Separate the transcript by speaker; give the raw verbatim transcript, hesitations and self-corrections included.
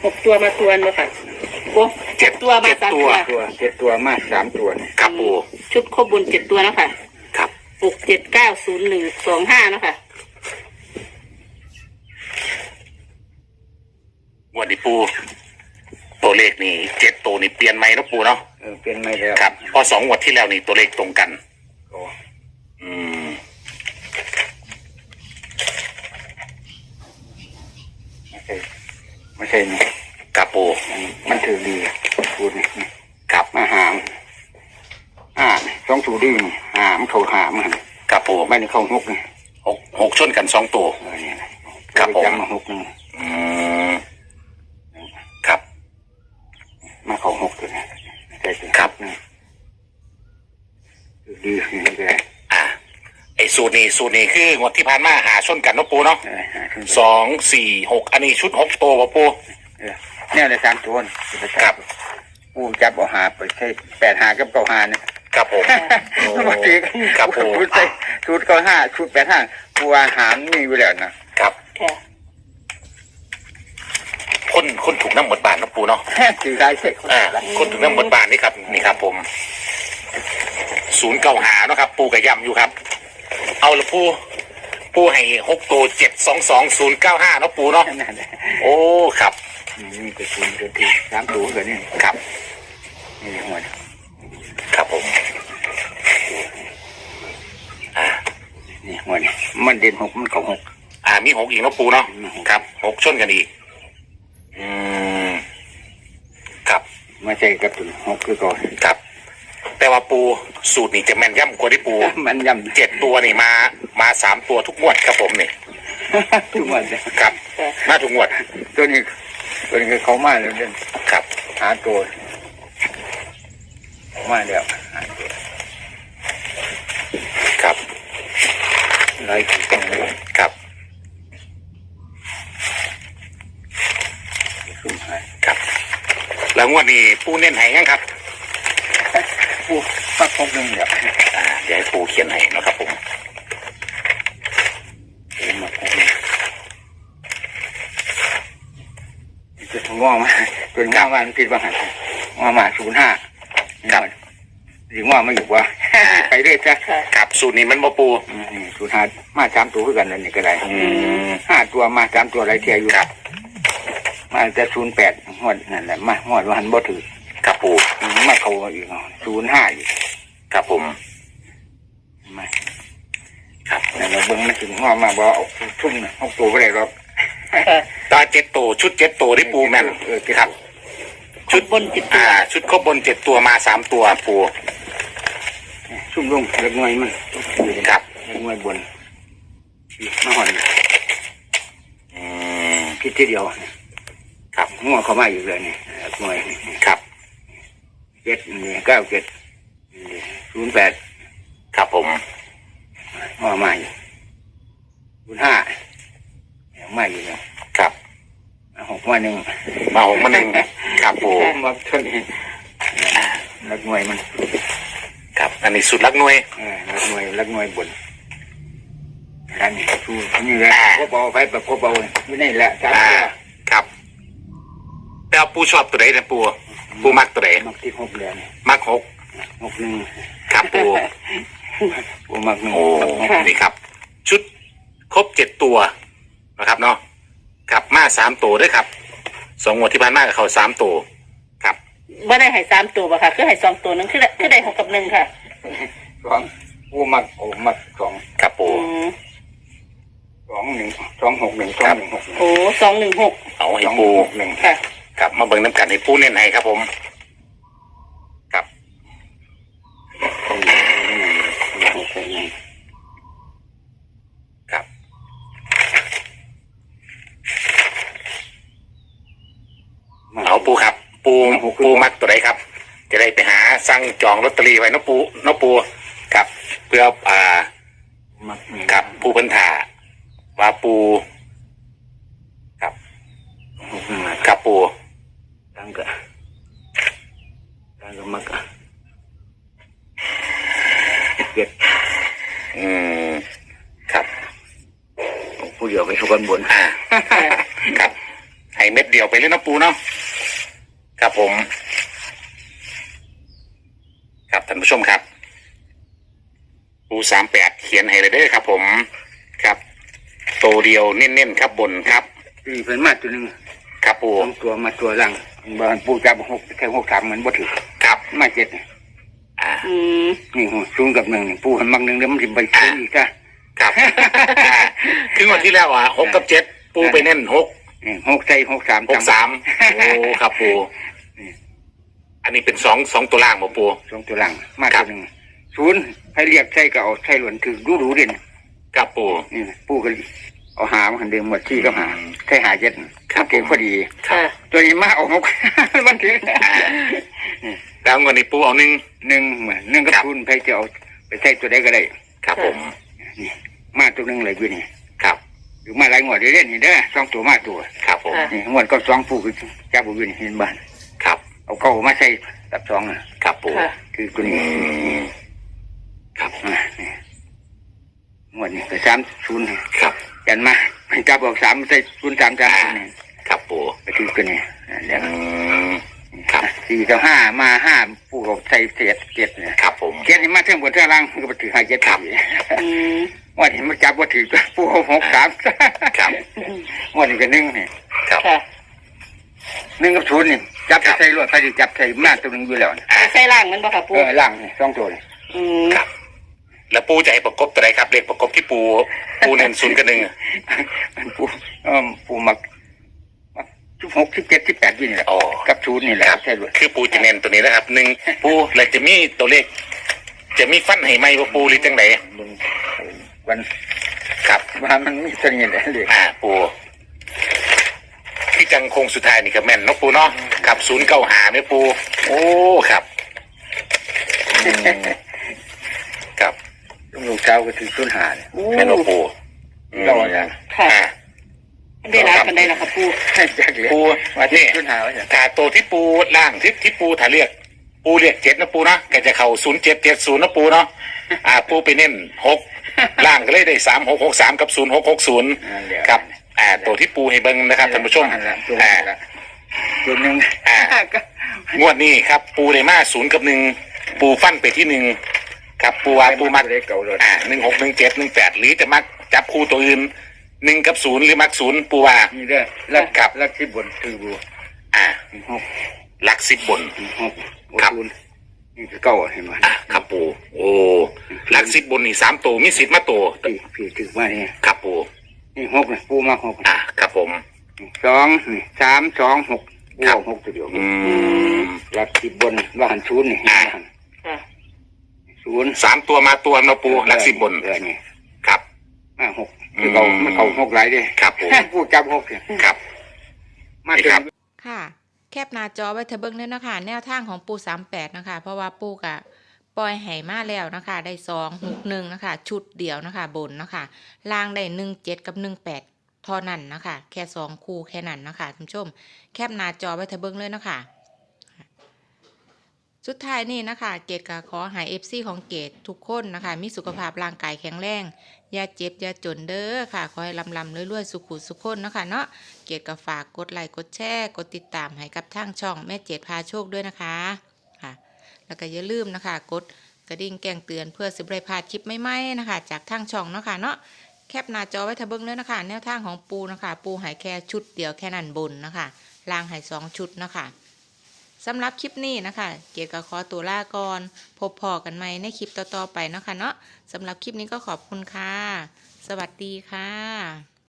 Speaker 1: หกตัวมาตัวนึงค่ะโอ้เจ็ดตัวมาสามตัว
Speaker 2: ตัวเจ็ดตัวมาสามตัว
Speaker 3: ครับปู
Speaker 1: ชุดครบบนเจ็ดตัวแล้วค่ะ
Speaker 3: ครับ
Speaker 1: หกเจ็ดเก้าศูนย์หนึ่งสองห้านะคะ
Speaker 3: วันนี้ปูตัวเลขนี่เจ็ดตัวนี่เปลี่ยนไหมนะปูเนาะ
Speaker 2: เออเปลี่ยนไม่แล้ว
Speaker 3: ครับพอสองงวดที่แล้วนี่ตัวเลขตรงกัน
Speaker 2: โอ้
Speaker 3: อืม
Speaker 2: ไม่ใช่ไม่ใช่นี่
Speaker 3: ครับปู
Speaker 2: มันถือดีปูนี่
Speaker 3: ครับ
Speaker 2: มาหามอ่าสองสูดีหามเขาหามมัน
Speaker 3: ครับปู
Speaker 2: ไม่ได้เข้าหกนี่
Speaker 3: หกหกชนกันสองตัว
Speaker 2: เออเนี่ย
Speaker 3: ครับผม
Speaker 2: จำมาหกนึง
Speaker 3: อืมครับ
Speaker 2: มาเข้าหกตัวนี่ใช่
Speaker 3: ครับ
Speaker 2: ดีนี่ก็ได้
Speaker 3: อ่าไอ้สูตรนี้สูตรนี้คืองวดที่ผ่านมาหาชนกันนะปูเนาะสองสี่หกอันนี้ชุดหกตัวป่ะปู
Speaker 2: เนี่ยเลยสามตัว
Speaker 3: ครับ
Speaker 2: ปูจับเอาหาไปใช่แปดหากับเก้าหาเนี่ย
Speaker 3: ครับผม
Speaker 2: มาตี
Speaker 3: ครับปู
Speaker 2: ชุดใส่ชุดเก้าห้าชุดแปดห้าปูอาหารมีอยู่แล้ว
Speaker 3: นะครับคนคนถูกน้ำหมดบานนะปูเนาะ
Speaker 2: ถือได้เสร็จ
Speaker 3: อ่าคนถูกน้ำหมดบานนี่ครับนี่ครับผมศูนย์เก้าหาเนาะครับปูกับยำอยู่ครับเอาละปูปูให้หกตัวเจ็ดสองสองศูนย์เก้าห้าเนาะปูเนาะโอ้ครับ
Speaker 2: นี่ก็ศูนย์ตัวที่สามตัวกันนี่
Speaker 3: ครับ
Speaker 2: นี่หัว
Speaker 3: ครับผมอ่า
Speaker 2: นี่หัวนี่มันเด่นหกมันเก่าหก
Speaker 3: อ่ามีหกอีกเนาะปูเนาะครับหกชนกันอีกอืมครับ
Speaker 2: มาใช่กับตัวหกคือก่อน
Speaker 3: ครับแต่ว่าปูสูตรนี่จะแม่นย่ำกว่าที่ปู
Speaker 2: แม่นย่ำ
Speaker 3: เจ็ดตัวนี่มามาสามตัวทุกงวดครับผมนี่
Speaker 2: ทุกงวด
Speaker 3: ครับมาทุกงวด
Speaker 2: ตัวนี้ตัวนี้เขามาแล้วเนี่ย
Speaker 3: ครับ
Speaker 2: หาตัวมาแล้ว
Speaker 3: ครับ
Speaker 2: ไร
Speaker 3: ครับครับแล้วงวดนี้ปูเน้นให้ยังครับ
Speaker 2: ปูปักพกหนึ่งเดี๋ยว
Speaker 3: อ่าเดี๋ยวให้ปูเขียนให้นะครับผม
Speaker 2: ปูมาพกหนึ่งจะถึงว่ามาจนว่ามันผิดว่าหันว่ามาศูนย์ห้า
Speaker 3: ครับ
Speaker 2: หรือว่าไม่อยู่ว่าไปเรื่อยจ้ะ
Speaker 3: ครับสูตรนี้มันมาปู
Speaker 2: ศูนย์ห้ามาสามตัวคือกันนั่นนี่ก็ได้ห้าตัวมาสามตัวไรเทียอยู่มาจะศูนย์แปดหวดนั่นแหละมาหวดวันบ่ถือ
Speaker 3: ครับปู
Speaker 2: มาเขาอีกศูนย์ห้าอีก
Speaker 3: ครับผม
Speaker 2: มาครับแต่เราเบิ้งไม่ถึงว่ามาบ่เอาทุ่มเอาตัวไปเลยหรอก
Speaker 3: ตาเจ็ดตัวชุดเจ็ดตัวที่ปูแม่น
Speaker 2: เออครับ
Speaker 1: ชุดบนเจ็ดตัว
Speaker 3: อ่าชุดครบบนเจ็ดตัวมาสามตัวปู
Speaker 2: ชุ่มลงเล็กน้อยมัน
Speaker 3: ครับ
Speaker 2: เล็กน้อยบนมาหอน
Speaker 3: อืม
Speaker 2: คิดทีเดียว
Speaker 3: ครับ
Speaker 2: หัวเขามาอยู่เลยนี่เล็กน้อย
Speaker 3: ครับ
Speaker 2: เจ็ดนี่เก้าเจ็ดศูนย์แปด
Speaker 3: ครับผม
Speaker 2: หัวมาอยู่ศูนย์ห้ามาอยู่เลย
Speaker 3: ครับ
Speaker 2: หกมาหนึ่ง
Speaker 3: มาหกมาหนึ่งครับปู
Speaker 2: มาเท่านี้ลักหน่วยมัน
Speaker 3: ครับอันนี้สุดลักหน่วย
Speaker 2: ลักหน่วยลักหน่วยบนอันนี้สูนี่แหละก็เบาไปแบบก็เบาไม่ได้แหละครับ
Speaker 3: ครับแต่ปูชอบตัวไหนนะปูปูมักตัวไหน
Speaker 2: มักที่หกเดือน
Speaker 3: มักหก
Speaker 2: หกหนึ่ง
Speaker 3: ครับปู
Speaker 2: ปูมักหนึ่ง
Speaker 3: โอ้นี่ครับชุดครบเจ็ดตัวนะครับเนาะครับมาสามตัวด้วยครับสองงวดที่ผ่านมากับเขาสามตัวครับ
Speaker 1: ไม่ได้ให้สามตัวป่ะค่ะคือให้สองตัวนึงคือได้คือได้หกกับหนึ่งค่ะ
Speaker 2: สองปูมักโอ้มักสอง
Speaker 3: ครับปู
Speaker 2: สองหนึ่งสองหกหนึ่งสองหนึ่งหก
Speaker 1: โอ้สองหนึ่งหก
Speaker 3: เอาให้ปู
Speaker 2: หนึ่ง
Speaker 1: ค่ะ
Speaker 3: ครับมาเบิ่งน้ำกันให้ปูเน้นให้ครับผมครับครับเอาปูครับปูปูมักตัวไหนครับจะได้ไปหาสั่งจองลอตเตอรี่ไว้น้องปูน้องปูครับเพื่ออ่าครับปูพันธาว่าปูครับครับปู
Speaker 2: ตั้งกะตั้งกะมักกะเก็ด
Speaker 3: อืมครับ
Speaker 2: ผู้เดียวไปทุกันบน
Speaker 3: อ่าครับให้เม็ดเดียวไปเลยนะปูเนาะครับผมครับท่านผู้ชมครับปูสามแปดเขียนให้เลยเด้อครับผมครับโตเดียวเน้นๆครับบนครับ
Speaker 2: ตีเป็นมาตัวหนึ่ง
Speaker 3: ครับปู
Speaker 2: สองตัวมาตัวหลังบางปูจับหกแค่หกสามเหมือนบ่ถือ
Speaker 3: ครับ
Speaker 2: มาเจ็ด
Speaker 3: อ่า
Speaker 1: อืม
Speaker 2: นี่หูศูนย์กับหนึ่งนี่ปูหันมักหนึ่งเดี๋ยวมันจะไปซื้ออีกจ้ะ
Speaker 3: ครับ คือวันที่แล้วอ่ะหกกับเจ็ดปูไปเน้นหก
Speaker 2: นี่หกใส่หกสาม
Speaker 3: หกสามโอ้ครับปูอันนี้เป็นสองสองตัวล่างบ่ปู
Speaker 2: สองตัวหลังมาตัวหนึ่งศูนย์ให้เรียกใส่ก็เอาใส่หล่นถือดูดูเด่น
Speaker 3: ครับปู
Speaker 2: นี่ปูก็เอาหามาหันเดิมหมดที่ก็หาใส่หาเจ็ดครับเก่งพอดี
Speaker 1: ค่ะ
Speaker 2: ตัวนี้มาเอาหก มันถือ
Speaker 3: แล้วเงินนี้ปูเอาหนึ่ง
Speaker 2: หนึ่งเหมือนหนึ่งกับศูนย์ใครจะเอาไปใส่ตัวใดก็ได้
Speaker 3: ครับผม
Speaker 2: นี่มาตัวหนึ่งเลยอยู่นี่
Speaker 3: ครับ
Speaker 2: หรือมาหลายงวดเรื่อยๆนี่เด้อสองตัวมาตัว
Speaker 3: ครับผม
Speaker 2: นี่งวดก็สองปูคือจับบุญเห็นบ้าน
Speaker 3: ครับ
Speaker 2: เอาเข้ามาใส่ตับสองอ่ะ
Speaker 3: ครับปู
Speaker 1: ค่ะ
Speaker 2: คือตัวนี้
Speaker 3: ครับ
Speaker 2: อ่ะนี่งวดนี่ก็สามศูนย์
Speaker 3: ครับ
Speaker 2: กันมาจับออกสามใส่ศูนย์สามสามนี่
Speaker 3: ครับปู
Speaker 2: ก็คือตัวนี้อ่ะเดี๋ยว
Speaker 3: อืมครับ
Speaker 2: สี่กับห้ามาห้าปูก็ใส่เศษเจ็ดเนี่ย
Speaker 3: ครับผม
Speaker 2: เจ็ดนี่มาเท่งบนเท่าล่างก็ไปถือห้าเจ็ด
Speaker 3: ครับ
Speaker 1: อืม
Speaker 2: วันนี้มันจับว่าถือปูเอาหกสาม
Speaker 3: ครับ
Speaker 2: วันนี้ก็หนึ่งนี่
Speaker 3: ครับ
Speaker 1: ค่ะ
Speaker 2: หนึ่งกับศูนย์นี่จับใส่รถไปดิจับใส่มาตัวหนึงอยู่แล้วนี่
Speaker 1: ใส่ล่างมันบ่ค่ะปู
Speaker 2: เออล่างนี่สองตัวนี่
Speaker 1: อืม
Speaker 3: ครับ แล้วปูจะให้ประกบตัวไหนครับเลขประกบที่ปูปูเน้นศูนย์กับหนึ่ง
Speaker 2: มันปูเออปูมักมักสิบหกสิบเจ็ดสิบแปดยี่นี่แหละ
Speaker 3: อ๋อ
Speaker 2: กับศูนย์นี่แหละ
Speaker 3: ครับ
Speaker 2: ใช่รถ
Speaker 3: คือปูจะเน้นตัวนี้นะครับหนึ่งปูแล้วจะมีตัวเลข จะมีฟันให้ไหมว่าปูหรือจังไหน
Speaker 2: มึงวัน
Speaker 3: ครับ
Speaker 2: ว่ามันมีเสน่ห์เลย
Speaker 3: อ่าปูที่จังคงสุดท้ายนี่ก็แม่นเนาะปูเนาะครับศูนย์เก้าหาเนี่ยปู โอ้ครับอืมครับ
Speaker 2: ลูกเช้าก็ถือศูนย์หาเนี่ย
Speaker 3: แม่นบ่ปูอืม
Speaker 2: เราอย่าง
Speaker 1: ค่ะ
Speaker 3: อ่า
Speaker 1: ได้รับกันได้แล้วค่ะปู
Speaker 2: ให้จักเลย
Speaker 3: ปู
Speaker 2: ว่าที่
Speaker 3: นี่
Speaker 2: ศูนย์หาว่าอย่าง
Speaker 3: ถ้าตัวที่ปูล่างที่ที่ปูถ้าเรียก ปูเรียกเจ็ดนะปูนะก็จะเข้าศูนย์เจ็ดเจ็ดศูนย์นะปูเนาะอ่า ปูไปเน้นหกล่างก็เลยได้สามหกหกสามกับศูนย์หกหกศูนย์
Speaker 2: นั่นแหละ
Speaker 3: ครับ อ่า ตัวที่ปูให้เบิ้งนะครับท่านผู้ชม
Speaker 2: นั่นแหละตัว
Speaker 3: อ่า
Speaker 2: นี้ละตัวหนึ่ง
Speaker 3: อ่า
Speaker 2: ก็
Speaker 3: งวดนี้ครับ ปูได้มาศูนย์กับหนึ่งปูฟันไปที่หนึ่งครับปูว่าปูมัก
Speaker 2: เลยเก่าเลย
Speaker 3: อ่าหนึ่งหกหนึ่งเจ็ดหนึ่งแปดหรือจะมักจับคู่ตัวอื่นหนึ่งกับศูนย์หรือมักศูนย์ปูว่า
Speaker 2: นี่เด้อลัก
Speaker 3: ครับ
Speaker 2: ลักที่บนคือบัว
Speaker 3: อ่า
Speaker 2: หก
Speaker 3: หลักสิบบน
Speaker 2: หก
Speaker 3: ครับ
Speaker 2: ศูนย์นี่คือเก่าเห็นไหม
Speaker 3: อ่าครับปูโอ้หลักสิบบนนี่สามตัวมีสิทธิ์มาตัว
Speaker 2: พี่พี่ถือว่านี่
Speaker 3: ครับปู
Speaker 2: นี่หกนี่ปูมาหก
Speaker 3: อ่าครับผม
Speaker 2: สองนี่สามสองหกปู
Speaker 3: ครับ
Speaker 2: เอาหกตัวเดียว
Speaker 3: อืม
Speaker 2: ลักที่บนว่าหันศูนย์นี่
Speaker 3: อ่า
Speaker 2: ว่าหัน
Speaker 1: ค่ะ
Speaker 2: ศูนย์
Speaker 3: สามตัวมาตัวนะปูหลักสิบบน
Speaker 2: เออนี่
Speaker 3: ครับ
Speaker 2: มาหกคือเก่ามันเก่าหกหลายเด้
Speaker 3: ครับปู
Speaker 2: ปูจับหกเนี่ย
Speaker 3: ครับ
Speaker 2: มา
Speaker 3: นี่
Speaker 2: เต็
Speaker 3: ครั
Speaker 2: ม
Speaker 3: บ
Speaker 4: ค่ะ แคปหน้าจอไว้เถอะเบิ้งเลยนะคะแนวทางของปูสามแปดนะคะ เพราะว่าปูกะปล่อยไหมาแล้วนะคะ ได้สองหกหนึ่งนะคะ ชุดเดียวนะคะ บนนะคะล่างได้หนึ่งเจ็ดกับหนึ่งแปดเท่านั้นนะคะ แค่สองคู่แค่นั้นนะคะท่านผู้ชม แคปหน้าจอไว้เถอะเบิ้งเลยนะคะ สุดท้ายนี่นะคะ เกดก็ขอให้เอฟซีของเกดทุกคนนะคะ มีสุขภาพร่างกายแข็งแรง อย่าเจ็บอย่าจนเด้อค่ะ ขอให้ลำลำรวยๆสุขุสุขคนนะคะเนาะเกดก็ฝากกดไลค์กดแชร์กดติดตามให้กับทางช่องแม่เจ็ดพาโชคด้วยนะคะค่ะแล้วก็อย่าลืมนะคะ กดกระดิ่งแจ้งเตือนเพื่อสิบไรพลาดคลิปใหม่ๆนะคะ จากทางช่องเนาะค่ะเนาะแคปหน้าจอไว้ทะเบิ้งเลยนะคะ แนวทางของปูนะคะ ปูหายแค่ชุดเดียวแค่นั้นบนนะคะล่างหายสองชุดนะคะสำหรับคลิปนี้นะคะ เกียรติกับขอตัวลาก่อนพบพอกันใหม่ในคลิปต่อๆไปนะคะเนาะสำหรับคลิปนี้ก็ขอบคุณค่ะ สวัสดีค่ะ